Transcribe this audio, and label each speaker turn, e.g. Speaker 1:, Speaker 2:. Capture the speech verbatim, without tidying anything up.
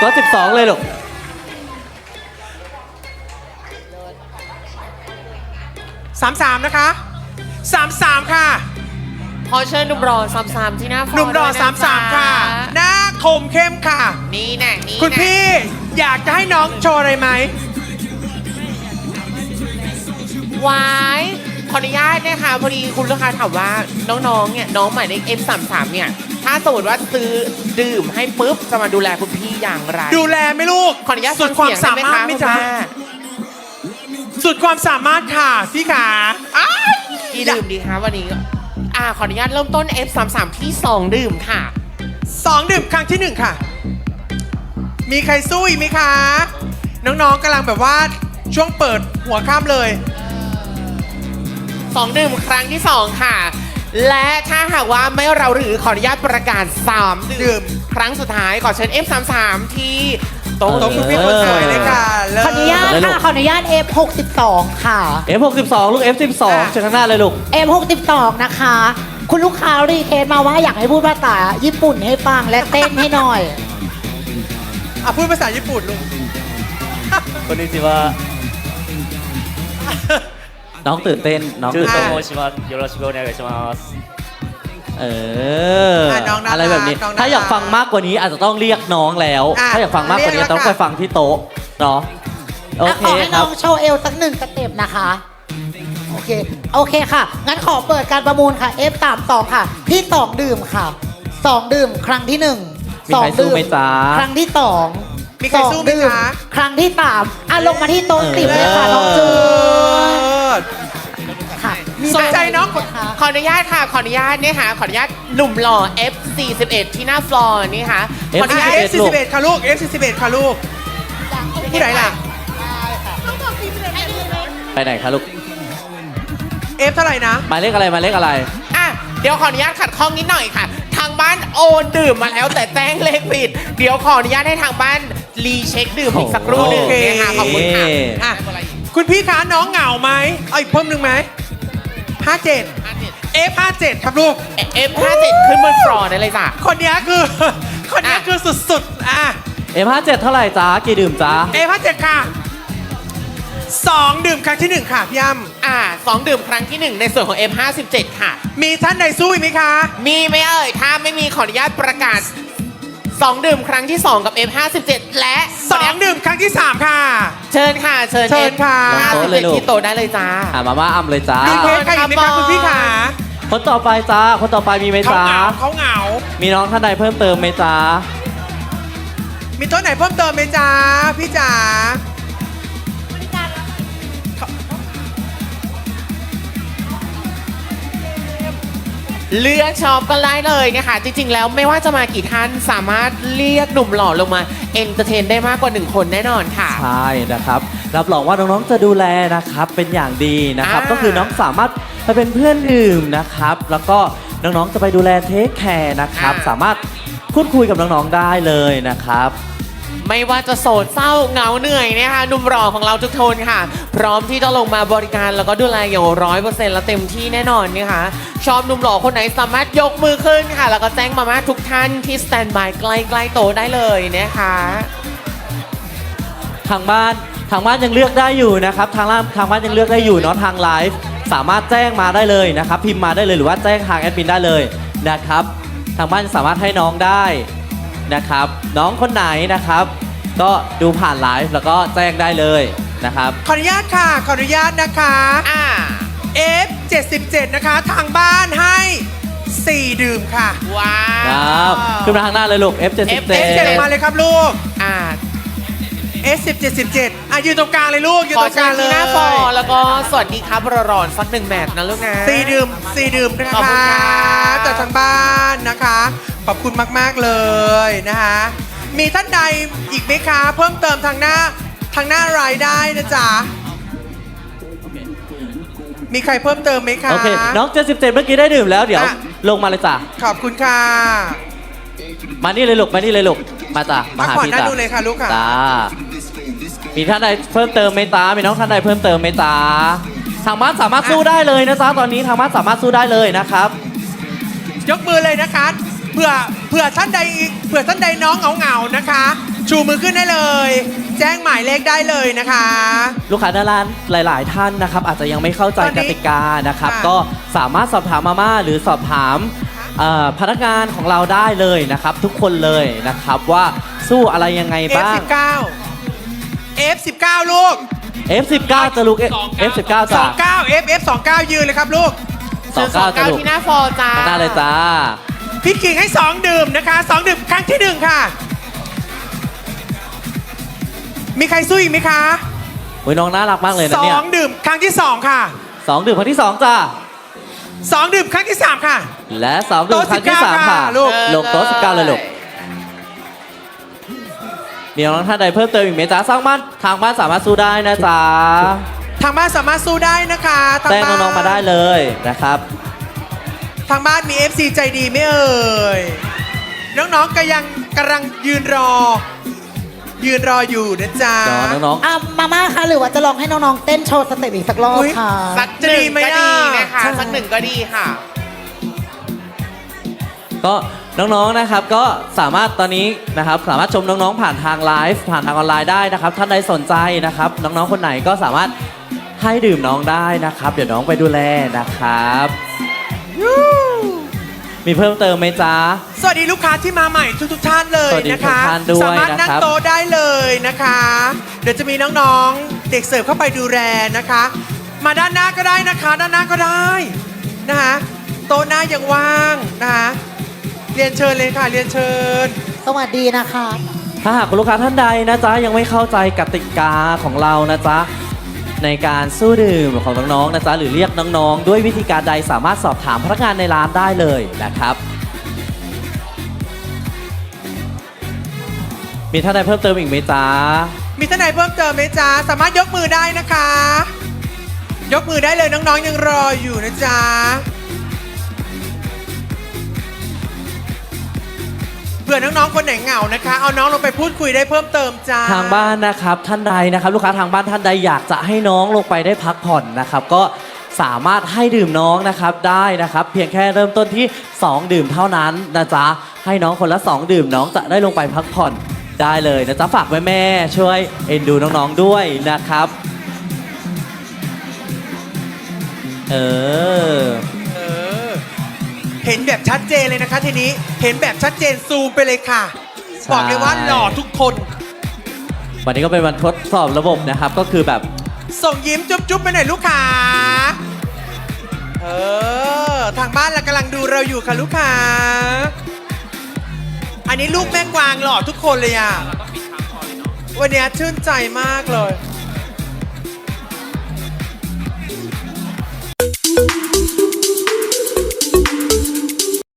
Speaker 1: ก็สิบสองเลยลูก
Speaker 2: สามสามนะคะสามสามค่ะ
Speaker 3: ขอเชิญหนุ่มรอสามสามที่หน้าฟอร์
Speaker 2: หนุ่มรอสามสามค่ะหน้าคมเข้มค่ะ
Speaker 3: นี่แน่นี่
Speaker 2: คุณพี่อยากจะให้น้องโชว์อะไรไหม
Speaker 3: วายขออนุญาตนะคะพอดีคุณลูกค้าถามว่าน้องๆเนี่ยน้องหมายเลข เอฟ สามสาม เนี่ยถ้าสมมติว่าซื้อดื่มให้ปุ๊บจะมาดูแลคุณพี่อย่างไร
Speaker 2: ดูแลไหมลูก
Speaker 3: ขออนุญาต
Speaker 2: สุดความสามารถไหมจ๊ะสุดความสามารถค่ะพี่ขา
Speaker 3: กี่ดื่มดีคะวันนี้อ่าขออนุญาตเริ่มต้น เอฟ สามสาม ที่สองดื่มค่ะ
Speaker 2: สองดื่มครั้งที่หนึ่งค่ะมีใครสู้อีกไหมคะน้องๆกำลังแบบว่าช่วงเปิดหัวข้ามเลย
Speaker 3: สองดื่มครั้งที่สองค่ะและถ้าหากว่าไม่เราหรือขออนุญาตประกาศสามดื่มครั้งสุดท้ายขอเชิญ เอฟ สาม สาม ที่โต๊ะ
Speaker 2: โต๊ะคุณพี่คนสวยเลยค่ะ
Speaker 4: ขออนุญาตค่ะขออนุญาต เอฟ หกสิบสอง ค่ะ
Speaker 1: เอฟ หกสิบสอง ลูก เอฟ สิบสอง เชิญข้างหน้าเลยลูก
Speaker 4: เอฟ หกสิบสอง นะคะ คุณลูกค้ารีเควสมาว่าอยากให้พูดภาษาญี่ปุ่นให้ฟังและเต้นให้หน่อย
Speaker 2: อ่ะพูดภาษาญี่ปุ่นลูก
Speaker 1: คนนี้สิว่าน้องตื่นเต้นน้อง
Speaker 5: ตื่นเต้นโมชิมัสよろしくお願いします
Speaker 1: เอออะไรแบบนี้ถ้าอยากฟังมากกว่านี้อาจจะต้องเรียกน้องแล้วถ้าอยากฟังมากกว่านี้ต้องไปฟังที่โต๊ะเนาะโอเค
Speaker 4: ขอให้น้องโชว์เอลสักหนึ่งสเต็ปนะคะโอเคโอเคค่ะงั้นขอเปิดการประมูลค่ะ เอฟ สามสอง ค่ะที่สองดื่มค่ะสองดื่มครั้งที่หนึ่ง
Speaker 1: สองดื่ม
Speaker 4: ครั้งที่สอง
Speaker 2: มีใครสู้ไหมจ๊ะ
Speaker 4: ครั้งที่สามอ่ะลงมาที่โต๊ะสิบเลยค่ะน้องจูนค่ะ
Speaker 2: สนใจน้อง
Speaker 3: ขออนุญาตค่ะขออนุญาตเนี่ยค่ะขออนุญาตหนุ่มหล่อ เอฟ สี่สิบเอ็ด ที่หน้าฟลอร์นี่ค่ะขออนุญาต
Speaker 2: เอฟ สี่สิบเอ็ด ค่ะลูก เอฟ สี่สิบเอ็ด ค่ะลูกผู้ใดล่ะ
Speaker 1: ไปไหนคะลูก
Speaker 2: เอฟ เท่าไหร่นะ
Speaker 1: หมายเลขอะไรหมายเลขอะไร
Speaker 3: อ่ะเดี๋ยวขออนุญาตขัดข้องนิดหน่อยค่ะทางบ้านโอนดื่มมาแล้วแต่แจ้งเลขผิดเดี๋ยวขออนุญาตให้ทางบ้านรีเช็คดื่มอีกสักครู่หนึ่งนะคะขอบคุณค่ะ
Speaker 2: อ่ะคุณพี่คะน้องเหงาไหมเอาอีกเพิ่มหนึ่งไหมห้าเจ็ด เอฟ ห้าเจ็ด ครับลูก
Speaker 3: เอฟ ห้าเจ็ด ขึ้นบนฟลอร์ได้เลยจ้ะ
Speaker 2: คนนี้คือคนนี้คือสุดๆอ่ะ
Speaker 1: เอฟ ห้าเจ็ด เท่าไหร่จ้ากี่ดื่มจ้า
Speaker 2: เอฟ ห้าเจ็ด ค่ะสองดื่มครั้งที่หนึ่งค่ะพี่ย่
Speaker 3: ำอ่าสองดื่มครั้งที่หนึ่งในส่วนของ เอฟ ห้าสิบเจ็ด ค่ะ
Speaker 2: มีท่านใดสู้ไหมคะ
Speaker 3: มีไหมเอ่ยถ้าไม่มีขออนุญาตประกาศสองดื่มครั้งที่สองกับ เอฟ ห้าสิบเจ็ด และ
Speaker 2: สองดื่มครั้งที่สามค่ะ
Speaker 3: เชิญค่ะเชิญ
Speaker 2: เชิญค่ะ
Speaker 3: ห้าสิบเจ็ดที่โตได้เลยจ้า
Speaker 1: อ่ามาม่าอ้ำเลยจ้า
Speaker 2: มีเพลงใครอีกไหมคะคุณพี่ขา
Speaker 1: คนต่อไปจ้าคนต่อไปมีไหมจ้า
Speaker 2: เขาเหงา
Speaker 1: มีน้องท่านใดเพิ่มเติมไหมจ้า
Speaker 2: มีตัวไหนเพิ่มเติมไหมจ้าพี่จ๋า
Speaker 3: เลือกชอบกันได้เลยนะคะจริงๆแล้วไม่ว่าจะมากี่ท่านสามารถเรียกหนุ่มหล่อลงมาเอนเตอร์เทนได้มากกว่าหนึ่งคนแน่นอนค่ะ
Speaker 1: ใช่นะครับรับรองว่าน้องๆจะดูแลนะครับเป็นอย่างดีนะครับก็คือน้องสามารถไปเป็นเพื่อนดื่มนะครับแล้วก็น้องๆจะไปดูแลเทคแคร์นะครับสามารถพูดคุยกับน้องๆได้เลยนะครับ
Speaker 3: ไม่ว่าจะโศกเศร้าเหงาเหนื่อยนะคะหนุ่มหล่อของเราทุกคนค่ะพร้อมที่จะลงมาบริการแล้วก็ดูแลอย่างร้อยเปอร์เซ็นต์และเต็มที่แน่นอนนะคะชอบหนุ่มหล่อคนไหนสามารถยกมือขึ้นค่ะแล้วก็แจ้งมาม่าทุกท่านที่สแตนบายใกล้ๆโต๊ะได้เลยนะคะ
Speaker 1: ทางบ้านทางบ้านยังเลือกได้อยู่นะครับทางล่างทางบ้านยังเลือกได้อยู่เนาะทางไลฟ์สามารถแจ้งมาได้เลยนะครับพิมพ์มาได้เลยหรือว่าแจ้งทางแอดมินได้เลยนะครับทางบ้านสามารถให้น้องได้นะครับน้องคนไหนนะครับก็ดูผ่านไลฟ์แล้วก็แจ้งได้เลยนะครับ
Speaker 2: ขออนุญาตค่ะขออนุญาตนะคะ
Speaker 3: อ่า
Speaker 2: เอฟ เจ็ดสิบเจ็ด นะคะทางบ้านให้สี่ดื่มค่ะ
Speaker 3: ว้า
Speaker 1: วขึ้นมาทางหน้าเลยลูก เอฟ เจ็ดสิบเจ็ด
Speaker 2: เอฟ เจ็ดมาเลยครับลูก
Speaker 3: อ่า
Speaker 2: เอฟ สิบเจ็ด สิบเจ็ดอ่ะยืนตรงกลางเลยลูกยืนตรงกลางเลย
Speaker 3: ขอเชิญที่หน้าฟอแล้วก็สวัสดีครับรอนๆสักหนึ่งแมตช์นะลูกนะ
Speaker 2: สี่ดื่มสี่ดื่มนะคะจากทางบ้านนะคะขอบคุณมากๆเลยนะคะมีท่านใดอีกไหมคะเพิ่มเติมทางหน้าทางหน้ารายได้นะจ๊ะมีใครเพิ่มเติมไหมคะ
Speaker 1: โอเคน้องเจ็ดสิบเจ็ดเมื่อกี้ได้ดื่มแล้วเดี๋ยวลงมาเลยจ้ะ
Speaker 2: ขอบคุณค่ะ
Speaker 1: มานี่เลยลูกมานี่เลยลูกมาจ้ะมาหาพี่จ้ะ
Speaker 2: ดูเลยค่ะลูกค่ะ
Speaker 1: จ้ามีท่านใดเพิ่มเติมไหมจ้ามีน้องท่านใดเพิ่มเติมไหมจ้าทางบ้านสามารถสู้ได้เลยนะจ้าตอนนี้ทางบ้านสามารถสู้ได้เลยนะครับ
Speaker 2: ยกมือเลยนะคะเผื่อเผื่อท่านใดเผื่อท่านใดน้องเหงาๆนะคะชูมือขึ้นได้เลย แจ้งหมายเลขได้เลยนะคะ
Speaker 1: ลูกค้าหน้าร้านหลาย ๆ ท่านนะครับ อาจจะยังไม่เข้าใจ
Speaker 2: ตอน
Speaker 1: ก
Speaker 2: นี้
Speaker 1: ติกานะครับ
Speaker 2: ค่ะ
Speaker 1: ก็สามารถสอบถามมาม่าหรือสอบถามเอ่อพนักงานของเราได้เลยนะครับ ทุกคนเลยนะครับว่าสู้อะไรยังไง
Speaker 2: เอฟ
Speaker 1: บ้าง
Speaker 2: สิบเก้า เอฟ สิบเก้า ลูก
Speaker 1: เอฟ สิบเก้า จะลูก เอฟ สิบเก้า
Speaker 2: ส
Speaker 1: จ้ะ
Speaker 2: องเก้า เอฟ เอฟ สองเก้า ยืนเลยครับลูก
Speaker 1: สองเก้า จะลูก
Speaker 3: ที่หน้าฟอร์จ้า
Speaker 1: ได้เลยจ้า
Speaker 2: พี่กิ่งให้สองดื่มนะคะสองดื่มครั้งที่หนึ่งค่ะ มีใครสู้อีกไหมคะ
Speaker 1: โอ้ยน้องน่ารักมากเลยนะ
Speaker 2: สอ
Speaker 1: เนี่ย
Speaker 2: งดื่มครั้งที่สองค่ะ
Speaker 1: สองดื่มครั้งที่สองจ้า
Speaker 2: สองดื่มครั้งที่สามค่ะ
Speaker 1: และสองดื่มครั้งที่สาม
Speaker 2: โต๊ะสิบเก้า
Speaker 1: ค่ะ
Speaker 2: ค่ะลูก
Speaker 1: ลงโต๊ะสิบเก้าเลยลูกมีน้องท่านใดเพิ่มเติมอีกไหมจ้าสร้างบ้านทางบ้านสามารถสู้ได้นะจ๊ะ
Speaker 2: ทางบ้านสามารถสู้ได้นะคะทาง
Speaker 1: แจ้ง
Speaker 2: บ้าน
Speaker 1: น้องๆมาได้เลยนะครับ
Speaker 2: ทางบ้านมี เอฟ ซี ใจดีไหม่เอ่ย น้องๆก็ยังกำลังยืนรอ ยืนรออยู่นะจ๊ะ
Speaker 1: เดี๋ยวน้อง
Speaker 4: อ่ะมาม่าคะหรือว่าจะลองให้น้องๆเต้นโชว์สเต็ปอีกสักรอบ
Speaker 2: อุ๊ย
Speaker 4: ค่ะ
Speaker 3: สักหนึ่ง
Speaker 2: จะดีไหม
Speaker 3: ก็
Speaker 2: อ่ะ
Speaker 3: ดีนะคะ
Speaker 4: ใช่
Speaker 3: สักหนึ่งก็ดีค่ะ
Speaker 1: ๆก็น้องๆนะครับก็สามารถตอนนี้นะครับสามารถชมน้องๆผ่านทางไลฟ์ผ่านทางออนไลน์ได้นะครับท่านใดสนใจนะครับ น้องๆคนไหนก็สามารถให้ดื่มน้องได้นะครับ เดี๋ยวน้องไปดูแลนะครับ มีเพิ่มเติมไหมจ๊ะ
Speaker 2: สวัสดีลูกค้าที่มาใหม่ทุกๆท่านเลย
Speaker 1: สวัสดี
Speaker 2: นะคะ
Speaker 1: ทุกท่านด้วย
Speaker 2: สามารถนั่ง
Speaker 1: นะครับ
Speaker 2: โต๊ะได้เลยนะคะ เดี๋ยวจะมีน้องๆ เด็กเสิร์ฟเข้าไปดูแลนะคะ มาด้านหน้าก็ได้นะคะ ด้านหน้าก็ได้นะคะโต๊ะหน้ายังว่างนะคะเรียนเชิญเลยค่ะเรียนเชิญ
Speaker 4: สวัสดีนะคะ
Speaker 1: ถ้าหากคุณลูกค้าท่านใดนะจ๊ะยังไม่เข้าใจกติกาของเรานะจ๊ะในการสู้ดื่มของน้องๆนะจ๊ะหรือเรียกน้องๆ ด้วยวิธีการใดสามารถสอบถามพนักงานในร้านได้เลยนะครับ มีท่านใดเพิ่มเติมอีกไหมจ๊ะ
Speaker 2: มีท่านไหนเพิ่มเติมไหมจ๊ะสามารถยกมือได้นะคะ ยกมือได้เลยน้องๆยังรออยู่นะจ๊ะเผื่อน้องๆคนไหนเหงานะคะ เอาน้องลงไปพูดคุยได้เพิ่มเติมจ้า
Speaker 1: ทางบ้านนะครับท่านใดนะครับ ลูกค้าทางบ้านท่านใดอยากจะให้น้องลงไปได้พักผ่อนนะครับ ก็สามารถให้ดื่มน้องนะครับได้นะครับ เพียงแค่เริ่มต้นที่สองดื่มเท่านั้นนะจ๊ะให้น้องคนละสองดื่มน้องจะได้ลงไปพักผ่อนได้เลยนะจ๊ะฝากแม่ๆช่วยเอ็นดูน้องๆด้วยนะครับเออ
Speaker 2: เออเห็นแบบชัดเจนเลยนะคะทีนี้เห็นแบบชัดเจนซูมไปเลยค่ะ
Speaker 1: ใช่
Speaker 2: บอกเลยว่าหล่อทุกคน
Speaker 1: วันนี้ก็เป็นวันทดสอบระบบนะครับก็คือแบบ
Speaker 2: ส่งยิ้มจุ๊บๆไปหน่อยลูกค้าเออทางบ้านเรากำลังดูเราอยู่ค่ะลูกค้าอันนี้ลูกแม่กวางหล่อทุกคนเลยอ่ะวันนี้ชื่นใจมากเลย